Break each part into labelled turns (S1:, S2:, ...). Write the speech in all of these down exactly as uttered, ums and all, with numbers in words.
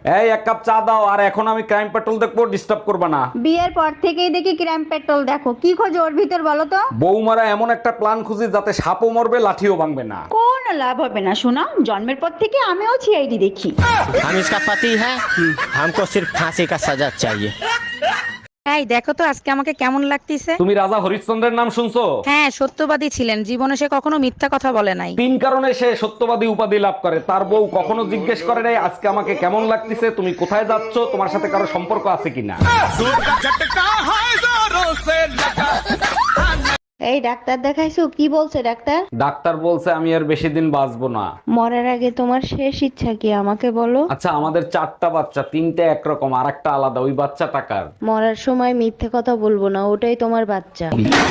S1: এই এক কাপ চা দাও, আর এখন আমি ক্রাইম পেট্রোল দেখবো, ডিস্টার্ব করবা না।
S2: বিয়ের পর থেকেই দেখি ক্রাইম পেট্রোল দেখো, কি খোঁজো ওর ভিতর বলো তো?
S1: বৌমারা এমন একটা প্ল্যান খুঁজি যাতে সাপও মরবে লাঠিও ভাঙবে না।
S2: কোন লাভ হবে না শোনা, জন্মের পর থেকে আমিও সিআইডি দেখি।
S3: हम इसका पति है, हमको सिर्फ फांसी का सजा चाहिए।
S4: এই দেখো তো আজকে আমাকে কেমন লাগতেছে।
S1: তুমি রাজা হরিশ্চন্দ্রের নাম শুনছো?
S4: হ্যাঁ, সত্যবাদী ছিলেন, জীবনে সে কখনো মিথ্যা কথা বলে নাই।
S1: তিন কারণে সে সত্যবাদী উপাধি লাভ করে। তার বউ কখনো জিজ্ঞেস করে নাই আজকে আমাকে কেমন লাগতেছে, তুমি কোথায় যাচ্ছ, তোমার সাথে কারো সম্পর্ক আছে কিনা।
S2: এই ডাক্তার দেখাইছো, কি বলছে ডাক্তার?
S1: ডাক্তার বলছে আমি আর বেশি দিন বাঁচবো না।
S2: মরার আগে তোমার শেষ ইচ্ছা কি আমাকে বলো?
S1: আচ্ছা, আমাদের চারটা বাচ্চা, তিনটে একরকম আর একটা আলাদা, ওই বাচ্চা টাকার।
S2: মরার সময় মিথ্যে কথা বলবো না, ওটাই তোমার বাচ্চা।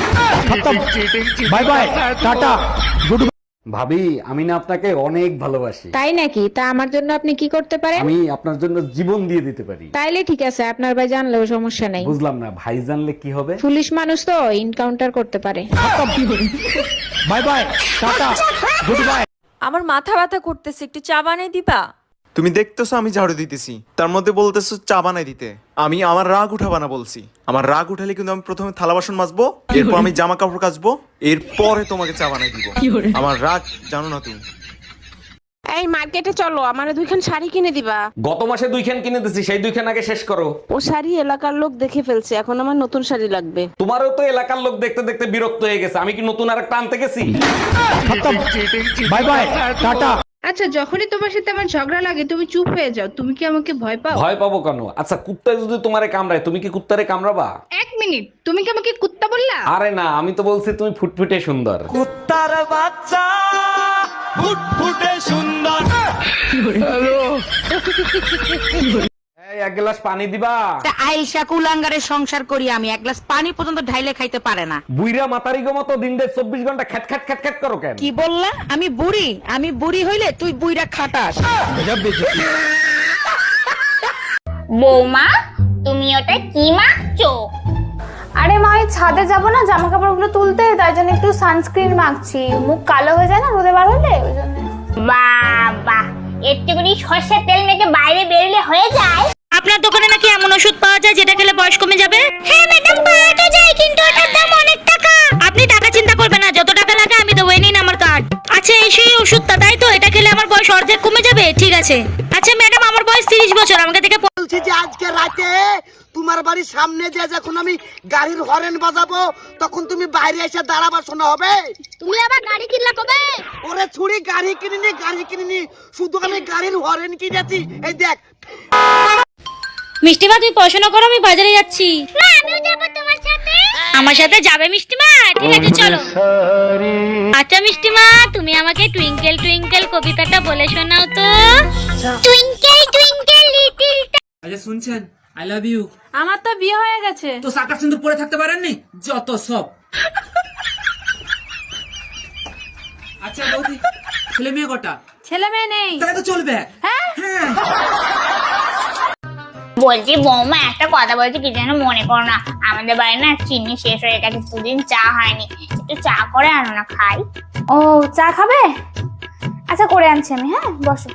S1: Bye bye, tata, good. ভাবি, আমি না আপনাকে অনেক ভালোবাসি।
S5: তাই নাকি? তা আমার জন্য আপনি কি করতে পারেন?
S1: আমি আপনার জন্য জীবন দিয়ে দিতে পারি।
S5: তাইলে ঠিক আছে, আপনার ভাই জানলেও সমস্যা নাই।
S1: বুঝলাম না, ভাই জানলে কি হবে?
S5: পুলিশ মানুষ তো এনকাউন্টার করতে পারে।
S1: Bye bye, tata, good bye.
S6: আমার মাথা ব্যথা করতেছে, একটু চা বানিয়ে দিবা?
S7: তুমি দেখতেছো আমি ঝাড়ু দিতেছি, তার মধ্যে বলতেছো চা বানাই দিতে। আমি আমার রাগ উঠাবা না বলছি। আমার রাগ উঠালে কিন্তু আমি প্রথমে থালা বাসন মাজবো, এরপর আমি জামা কাপড় কাচবো, এরপরে তোমাকে চা বানাই দিব। আমার রাগ জানো না তুমি।
S5: এই মার্কেটে চলো, আমারে দুইখান শাড়ি কিনে দিবা।
S1: গত মাসে দুইখান কিনে দিছি, সেই দুইখান আগে শেষ করো।
S5: ও শাড়ি এলাকার লোক দেখে ফেলছে, এখন আমার নতুন শাড়ি লাগবে।
S1: তোমারও তো এলাকার লোক দেখতে দেখতে বিরক্ত হয়ে গেছে, আমি কি নতুন আর একটা আনতে গেছি? Bye bye, tata.
S8: আচ্ছা, যখনই তোমার সাথে আমার ঝগড়া লাগে তুমি চুপ হয়ে যাও, তুমি কি আমাকে ভয় পাও?
S1: ভয় পাবো কেন? আচ্ছা, কুত্তায় যদি তোমারে কামড়ায় তুমি কি কুত্তারে কামড়াবা?
S8: এক মিনিট, তুমি কি আমাকে কুত্তা বললা?
S1: আরে না, আমি তো বলছি তুমি ফুটফুটে সুন্দর।
S3: कुत्तार बच्चा फुटफुटे सुंदर।
S1: এই এক গ্লাস পানি দিবা?
S4: আইসা কুলাঙ্গারের সংসার করি আমি, এক গ্লাস পানি পর্যন্ত ঢাইলে খাইতে পারে না।
S1: বুইরা মাতারি গো মতো দিন দেড় চব্বিশ ঘন্টা খ্যাট খ্যাট খ্যাট খ্যাট করো কেন?
S4: কি বললা? আমি বুড়ি? আমি বুড়ি হইলে তুই বুইরা খাটাস।
S9: বৌমা, তুমি ওটা কি মাখছো?
S10: আরে মা, এই ছাদে যাবো না জামা কাপড়গুলো তুলতে, তাই জন্য একটু সানস্ক্রিন মাখছি। মুখ কালো হয়ে যায় না রোদে বার হলে, ওই জন্য।
S9: বাবা, একটুখানি সর্ষের তেল মেখে বাইরে বেরোলে হয়ে যায়।
S4: আপনার দোকানে নাকি এমন ওষুধ পাওয়া যায় যেটা খেলে বয়স কমে যাবে?
S9: হ্যাঁ ম্যাডাম, পাওয়া তো যায়, কিন্তু ওটার দাম অনেক টাকা।
S4: আপনি টাকা চিন্তা করবেন না, যত টাকা লাগে আমি দেবো, এই নিন আমার কার্ড। আচ্ছা, এই সেই ওষুধটা, তাই তো? এটা খেলে আমার বয়স অর্ধেক কমে যাবে? ঠিক আছে। আচ্ছা ম্যাডাম, আমার বয়স তিরিশ বছর, আমাকে থেকে
S11: বলছি যে আজকে রাতে তোমার বাড়ির সামনে যে যখন আমি গাড়ির হরেন বাজাবো তখন তুমি বাইরে এসে দাঁড়াবা, শোনা হবে?
S9: তুমি আবার গাড়ি কিনলা কবে?
S11: ওরে ছুরি, গাড়ি কিনিনি, গাড়ি কিনিনি, শুধু আমি গাড়ির হরেন কিনেছি। এই দেখ।
S4: মিষ্টিমা, তুমি পড়াশোনা করো, আমি বাজারে যাচ্ছি।
S9: না, আমিও যাবো তোমার সাথে।
S4: আমার সাথে যাবে মিষ্টিমা? ঠিক আছে, চলো। আচ্ছা মিষ্টিমা, তুমি আমাকে টুইঙ্কেল টুইঙ্কেল কবিতাটা বলে শোনাও তো।
S9: টুইঙ্কেল টুইঙ্কেল লিটল
S3: আচ্ছা শুনছেন, আই লাভ ইউ।
S6: আমার তো বিয়ে হয়ে গেছে।
S3: তো সাকা সিন্দুর পরে থাকতে পারেননি? যত সব। আচ্ছা বৌদি, ছেলে মেয়ে কটা?
S6: ছেলে মেয়ে নেই।
S3: তাহলে তো চলবে।
S6: হ্যাঁ,
S9: বলছি বৌমা, একটা কথা বলছি, কি যেন মনে করো না। আমাদের বাড়ি না চিনি শেষ হয়ে গেছে, দুদিন চা হয়নি, একটু চা করে আনো না, খাই।
S10: ও, চা খাবে? আচ্ছা, করে আনছি আমি। হ্যাঁ, বসো।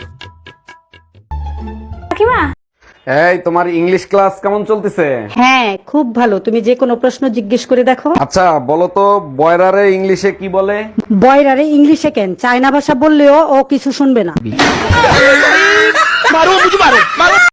S10: কাকিমা,
S1: এই তোমার ইংলিশ ক্লাস কেমন চলতেছে?
S4: হ্যাঁ, খুব ভালো। তুমি যে কোনো প্রশ্ন জিজ্ঞেস করে দেখো।
S1: আচ্ছা বলো তো, বয়রারে ইংলিশে কি বলে?
S4: বয়রারে ইংলিশে কেন, চায়না ভাষা বললেও ও কিছু শুনবে না।